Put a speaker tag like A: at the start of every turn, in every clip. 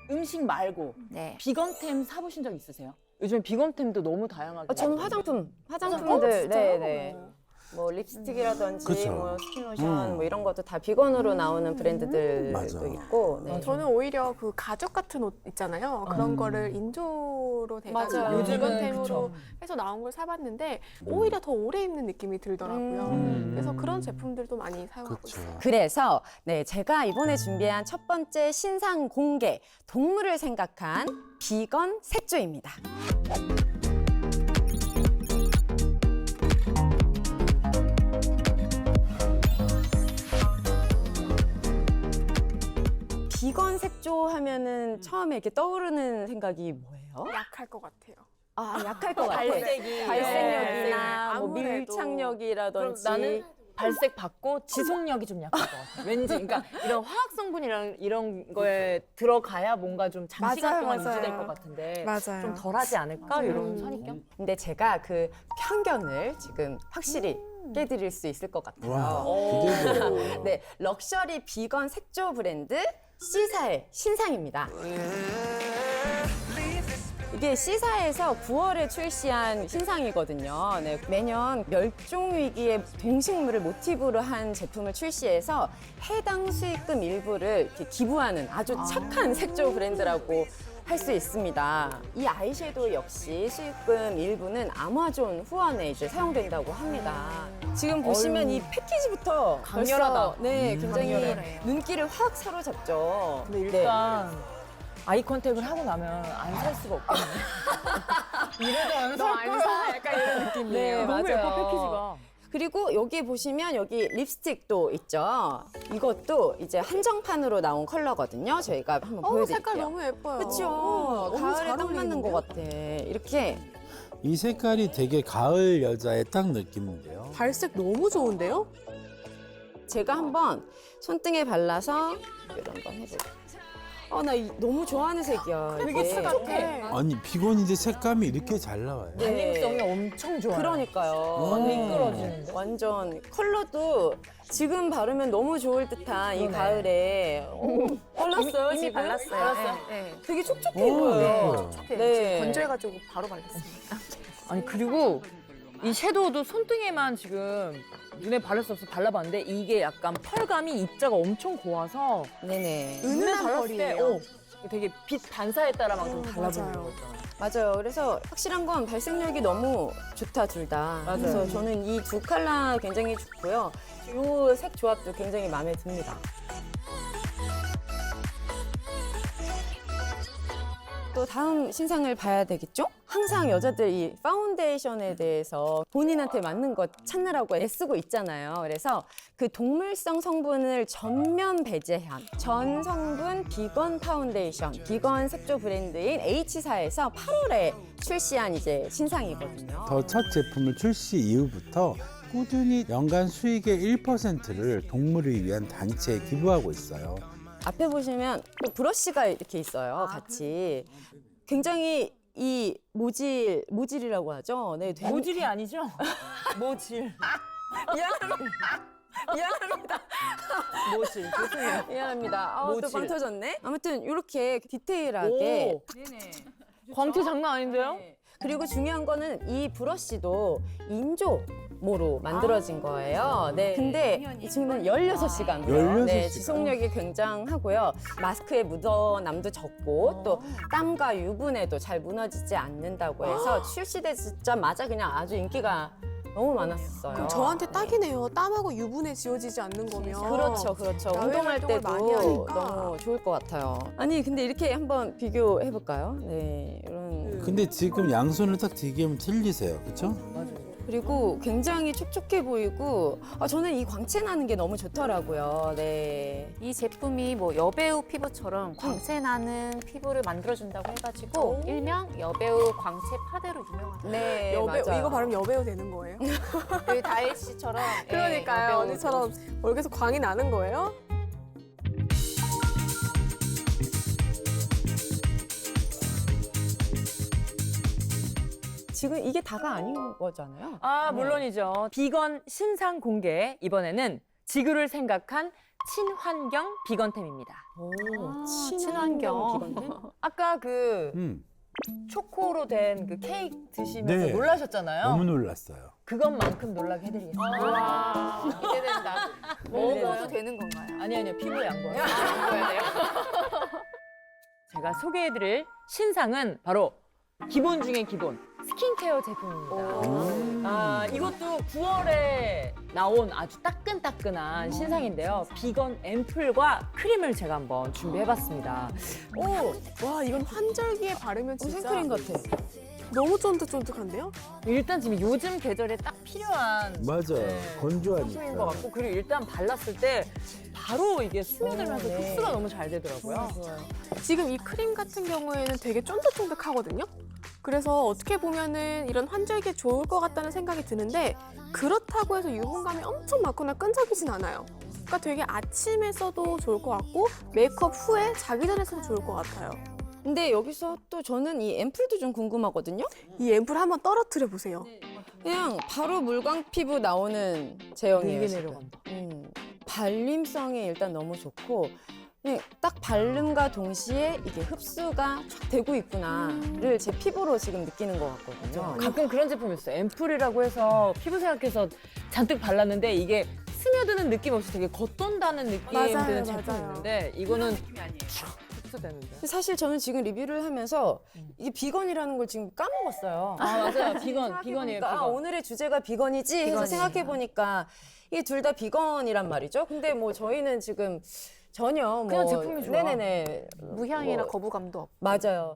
A: 음식 말고
B: 네.
A: 비건템 사보신 적 있으세요? 요즘 비건템도 너무 다양하게.
B: 저는 화장품들, 네네. 뭐 립스틱이라든지
C: 그쵸.
B: 뭐 스킨로션 뭐 이런 것도 다 비건으로 나오는 브랜드들도
C: 맞아.
B: 있고. 네.
D: 저는 오히려 그 가죽 같은 옷 있잖아요. 그런 거를 인조로 돼가지고
B: 맞아요.
A: 요즘은
D: 비건템으로
A: 그쵸.
D: 해서 나온 걸 사봤는데 오히려 더 오래 입는 느낌이 들더라고요. 그래서 그런 제품들도 많이 사용하고
C: 그렇죠.
D: 있어요.
B: 그래서 네, 제가 이번에 준비한 첫 번째 신상 공개, 동물을 생각한 비건 색조입니다. 비건 색조 하면은 처음에 이렇게 떠오르는 생각이 뭐예요?
D: 약할 것 같아요.
B: 아, 약할 것 같아요.
A: 발색이.
B: 발색력이나
D: 네.
B: 뭐
D: 아무래도.
B: 밀착력이라든지.
A: 그럼 나는 발색 받고 지속력이 좀 약할 것 같아. 왠지 그러니까 이런 화학 성분이랑 이런 거에 들어가야 뭔가 좀 장시간
D: 맞아요,
A: 동안
D: 맞아요.
A: 유지될 것 같은데
D: 맞아요.
A: 좀 덜하지 않을까 이런 선입견.
B: 근데 제가 그 편견을 지금 확실히 깨드릴 수 있을 것 같아요.
C: 와,
A: 오.
C: 기대돼요.
B: 네, 럭셔리 비건 색조 브랜드 C사의 신상입니다. 이게 C사에서 9월에 출시한 신상이거든요. 네, 매년 멸종 위기의 동식물을 모티브로 한 제품을 출시해서 해당 수익금 일부를 이렇게 기부하는 아주 착한 색조 브랜드라고 할 수 있습니다. 이 아이섀도우 역시 수익금 일부는 아마존 후원에 이제 사용된다고 합니다. 지금 보시면 이 패키지부터
A: 강렬하다.
B: 벌써, 네, 굉장히
A: 강렬해요.
B: 눈길을 확 사로잡죠.
A: 근데 일단 아이 컨택을 하고 나면 안 살 수가 없겠네. 이래도 안 살 거야.
D: 사? 약간 이런 느낌이에요.
B: 네,
A: 너무
B: 맞아요.
A: 예뻐 패키지가.
B: 그리고 여기 보시면 여기 립스틱도 있죠. 이것도 이제 한정판으로 나온 컬러거든요. 저희가 한번 보여드릴게요.
D: 색깔 너무 예뻐요.
B: 그렇죠.
D: 너무
B: 가을에
D: 잘
B: 딱 맞는 것
D: 어울리는데요?
B: 같아. 이렇게
C: 이 색깔이 되게 가을 여자의 딱 느낌인데요.
D: 발색 너무 좋은데요?
B: 제가 한번 손등에 발라서 이런 건 해볼게요. 나 너무 좋아하는 색이야.
D: 크레파스
B: 이게.
D: 같아.
C: 아니 비건인데 색감이 이렇게 잘 나와요.
B: 네.
A: 발림성이 엄청 좋아요.
B: 그러니까요.
A: 미끄러지는데.
B: 완전 컬러도 지금 바르면 너무 좋을 듯한 이
A: 그러네.
B: 가을에 발랐어요
A: 이미
B: 지금?
A: 발랐어요.
D: 네.
B: 되게 촉촉해
C: 오,
B: 보여요.
C: 예뻐요.
B: 네.
D: 건조해가지고 바로 발랐습니다.
A: 아니 그리고 이 섀도우도 손등에만 지금 눈에 바를 수 없어서 발라봤는데 이게 약간 펄감이 입자가 엄청 고와서
B: 네네.
A: 눈에
D: 은은한
A: 발랐을 때
D: 펄이에요.
A: 되게 빛 반사에 따라 막 좀 달라 보이는
D: 맞아요.
A: 거 있잖아요.
B: 맞아요. 그래서 확실한 건 발색력이 너무 좋다 둘 다.
A: 맞아요.
B: 그래서 저는 이 두 컬러 굉장히 좋고요. 이 색 조합도 굉장히 마음에 듭니다. 또 다음 신상을 봐야 되겠죠? 항상 여자들 이 파운데이션에 대해서 본인한테 맞는 것 찾느라고 애쓰고 있잖아요. 그래서 그 동물성 성분을 전면 배제한 전 성분 비건 파운데이션, 비건 색조 브랜드인 H사에서 8월에 출시한 이제 신상이거든요.
C: 더 첫 제품을 출시 이후부터 꾸준히 연간 수익의 1%를 동물을 위한 단체에 기부하고 있어요.
B: 앞에 보시면 또 브러쉬가 이렇게 있어요, 같이. 굉장히 이 모질이라고 하죠. 네, 되게
A: 모질이 아니죠? 모질.
B: 미안합니다.
A: 모질. 죄송해요.
B: 미안합니다. 또
A: 모질.
B: 빵 터졌네. 아무튼 이렇게 디테일하게.
A: 오. 광채 장난 아닌데요?
B: 네. 그리고 중요한 거는 이 브러쉬도 인조모로 만들어진 거예요. 네. 근데 이 친구는 16시간.
C: 16시간.
B: 네, 지속력이 굉장하고요. 마스크에 묻어남도 적고 또 땀과 유분에도 잘 무너지지 않는다고 해서 출시되자마자 그냥 아주 인기가 너무 많았었어요.
D: 그럼 저한테 딱이네요. 땀하고 유분에 지워지지 않는 거면.
B: 그렇죠, 그렇죠.
D: 야외
B: 운동할
D: 활동을
B: 때도
D: 많이 하니까.
B: 너무 좋을 것 같아요. 아니, 근데 이렇게 한번 비교해 볼까요? 네, 이런.
C: 근데 지금 양손을 딱 디기면 틀리세요, 그렇죠?
B: 그리고 굉장히 촉촉해 보이고 저는 이 광채 나는 게 너무 좋더라고요. 네.
E: 이 제품이 뭐 여배우 피부처럼 광채 나는 피부를 만들어준다고 해가지고 일명 여배우 광채 파데로 유명하다.
B: 네,
D: 여배우,
B: 맞아요.
D: 이거 바르면 여배우 되는 거예요?
E: 여기 다혜 씨처럼
D: 그러니까요.
E: 여배우.
D: 언니처럼 얼굴에서 광이 나는 거예요?
B: 지금 이게 다가 아닌 거잖아요.
A: 아,
B: 네.
A: 물론이죠. 비건 신상 공개. 이번에는 지구를 생각한 친환경 비건템입니다.
D: 친환경.
A: 아까 그 초코로 된 그 케이크 드시면서
C: 네.
A: 놀라셨잖아요.
C: 너무 놀랐어요.
A: 그것만큼 놀라게 해드리겠습니다.
E: 와, 기대된다. 먹어도 되는 건가요?
A: 아니요, 피부에 양보해요. 제가 소개해드릴 신상은 바로 기본 중에 기본 스킨케어 제품입니다. 이것도 9월에 나온 아주 따끈따끈한 신상인데요. 비건 앰플과 크림을 제가 한번 준비해봤습니다.
D: 와, 이건 환절기에 바르면 진짜
B: 생크림 같아.
D: 너무 쫀득쫀득한데요?
A: 일단 지금 요즘 계절에 딱 필요한
C: 맞아요.
A: 상품인 것
C: 건조하니까.
A: 같고, 그리고 일단 발랐을 때 바로 이게 스며들면서
B: 네.
A: 흡수가 너무 잘 되더라고요.
D: 지금 이 크림 같은 경우에는 되게 쫀득쫀득하거든요. 그래서 어떻게 보면은 이런 환절기에 좋을 것 같다는 생각이 드는데 그렇다고 해서 유분감이 엄청 많거나 끈적이진 않아요. 그러니까 되게 아침에 써도 좋을 것 같고 메이크업 후에 자기 전에 써도 좋을 것 같아요.
B: 근데 여기서 또 저는 이 앰플도 좀 궁금하거든요.
D: 이 앰플 한번 떨어뜨려 보세요.
B: 그냥 바로 물광 피부 나오는 제형이에요.
A: 되게
B: 지금.
A: 내려간다.
B: 발림성이 일단 너무 좋고 그냥 딱 발림과 동시에 이게 흡수가 쫙 되고 있구나를 제 피부로 지금 느끼는 것 같거든요.
A: 가끔 그런 제품이 있어요. 앰플이라고 해서 피부 생각해서 잔뜩 발랐는데 이게 스며드는 느낌 없이 되게 겉돈다는 느낌
D: 맞아요,
A: 드는 제품이
D: 맞아요.
A: 있는데 이거는 흡수되는데.
B: 근데 사실 저는 지금 리뷰를 하면서 이게 비건이라는 걸 지금 까먹었어요.
A: 아 맞아요. 비건이에요.
B: 생각해보니까
A: 비건.
B: 오늘의 주제가 비건이지 해서
A: 비건이에요.
B: 생각해보니까 이게 둘 다 비건이란 말이죠. 근데 뭐 저희는 지금 전혀 뭐
A: 그냥 제품이 좋아.
B: 네네네.
E: 무향이라
B: 뭐,
E: 거부감도 없고.
B: 맞아요.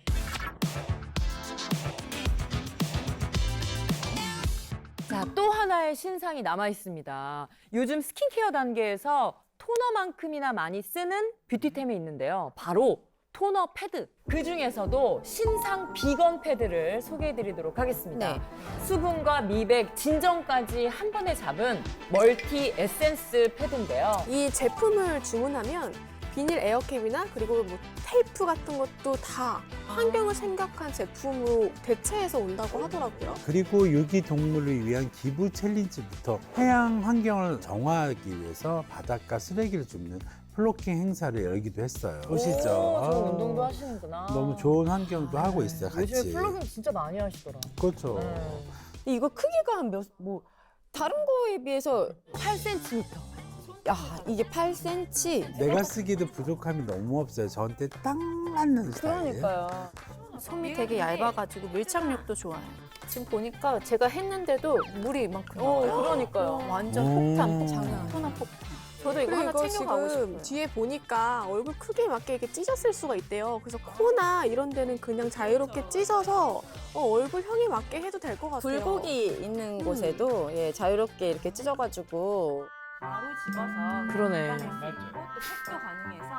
A: 자, 또 하나의 신상이 남아 있습니다. 요즘 스킨케어 단계에서 토너만큼이나 많이 쓰는 뷰티템이 있는데요. 바로 토너 패드. 그 중에서도 신상 비건 패드를 소개해드리도록 하겠습니다.
B: 네.
A: 수분과 미백, 진정까지 한 번에 잡은 멀티 에센스 패드인데요.
D: 이 제품을 주문하면 비닐 에어캡이나 그리고 뭐 테이프 같은 것도 다 환경을 생각한 제품으로 대체해서 온다고 하더라고요.
C: 그리고 유기 동물을 위한 기부 챌린지부터 해양 환경을 정화하기 위해서 바닷가 쓰레기를 줍는 플로킹 행사를 열기도 했어요. 보시죠.
A: 좋은
C: 아,
A: 운동도 하시는구나.
C: 너무 좋은 환경도 하고 있어요, 같이.
A: 요즘에 플러깅 진짜 많이 하시더라.
C: 그렇죠.
B: 근데 이거 크기가 한 뭐 다른 거에 비해서
A: 8cm.
B: 야 이게 8cm.
C: 내가 쓰기도 부족함이 너무 없어요. 저한테 딱 맞는 스타일이에요.
B: 그러니까요.
E: 솜이 되게 얇아가지고 밀착력도 좋아요. 지금 보니까 제가 했는데도 물이 이만큼 나와요.
B: 그러니까요.
E: 완전
C: 오.
E: 폭탄,
B: 장난.
E: 토너 폭탄. 저도 이거
D: 그리고
E: 하나
D: 이거
E: 챙겨가고
D: 지금
E: 싶어요.
D: 뒤에 보니까 얼굴 크기에 맞게 이렇게 찢었을 수가 있대요. 그래서 코나 이런 데는 그냥 자유롭게 찢어서 얼굴형에 맞게 해도 될 것 같아요.
B: 굴곡이 있는 곳에도 예, 자유롭게 이렇게 찢어가지고 바로 집어서
A: 그러네.
B: 또 팩도 가능해서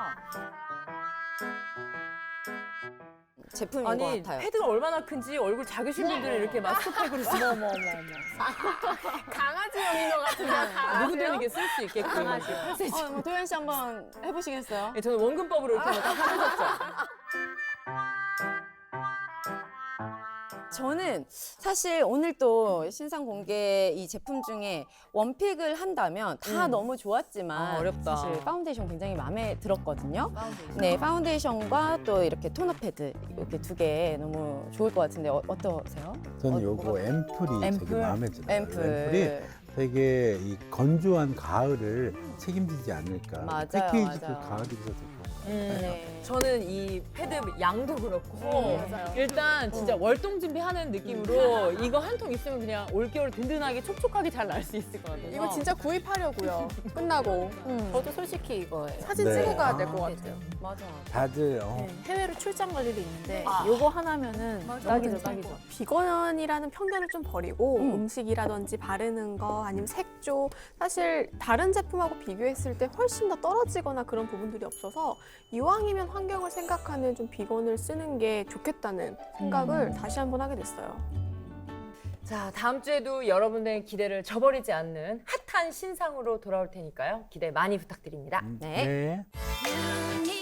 B: 제품인 것
A: 아니
B: 같아요.
A: 패드가 얼마나 큰지 얼굴 작으신 분들은 이렇게 마스크팩으로 어머
D: 강아지형인 것 같은데.
A: 누구든 이렇게 쓸 수 있게끔 이렇게 8cm.
B: 뭐 도현 씨 한번 해보시겠어요?
A: 예, 저는 원근법으로 이렇게 딱 해보셨죠.
B: 저는 사실 오늘 또 신상 공개 이 제품 중에 원픽을 한다면 다 너무 좋았지만
A: 아, 어렵다.
B: 사실 파운데이션 굉장히 마음에 들었거든요. 네, 파운데이션과 또 이렇게 토너 패드 이렇게 두 개 너무 좋을 것 같은데 어떠세요?
C: 저는 요거 앰플이
A: 앰플?
C: 되게 마음에 들어요.
B: 앰플.
C: 앰플이 되게 이 건조한 가을을 책임지지 않을까.
B: 맞아요,
C: 패키지도
B: 맞아요.
C: 가을이라서 좋고.
B: 네.
A: 저는 이 패드 양도 그렇고
D: 맞아요.
A: 일단 진짜 월동 준비하는 느낌으로 이거 한 통 있으면 그냥 올겨울 든든하게 촉촉하게 잘 날 수 있을 것 같아요.
D: 이거 진짜 구입하려고요. 끝나고
E: 저도 솔직히 이거예요.
D: 사진
C: 네.
D: 찍어 가야 될 것 같아요.
B: 맞아.
C: 다들
E: 해외로 출장 갈 일이 있는데 요거 하나면은 딱이죠, 딱이죠.
D: 비건이라는 편견을 좀 버리고 음식이라든지 바르는 거 아니면 색조 사실 다른 제품하고 비교했을 때 훨씬 더 떨어지거나 그런 부분들이 없어서 이왕이면 환경을 생각하는 좀 비건을 쓰는 게 좋겠다는 생각을 다시 한번 하게 됐어요.
A: 자, 다음 주에도 여러분들의 기대를 저버리지 않는 핫한 신상으로 돌아올 테니까요. 기대 많이 부탁드립니다.
B: 네.
C: 네.